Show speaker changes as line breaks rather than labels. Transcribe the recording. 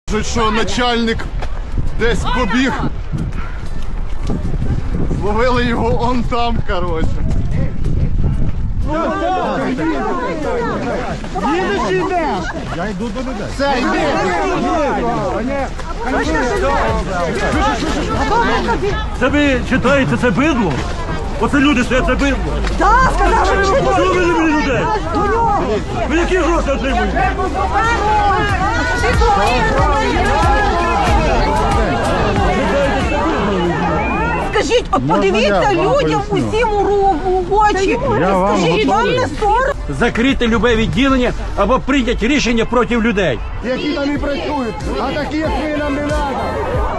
Кажуть, що начальник десь побіг. Зловили його он там, коротше.
Їдеш чи йдеш?
Я йду до людей.
Все, йди.
Це ви читаєте, це бидло? Оце люди стоять, це бидло.
Так, сказали, що
Чого ви не мені людей? Ви які гроші отримуєте?
Скажіть, от подивіться людям усім у очі. Скажіть, вам не сором?
Закрити любе відділення або прийняти рішення проти людей.
Які там і працюють, а такі, як ви, нам не треба.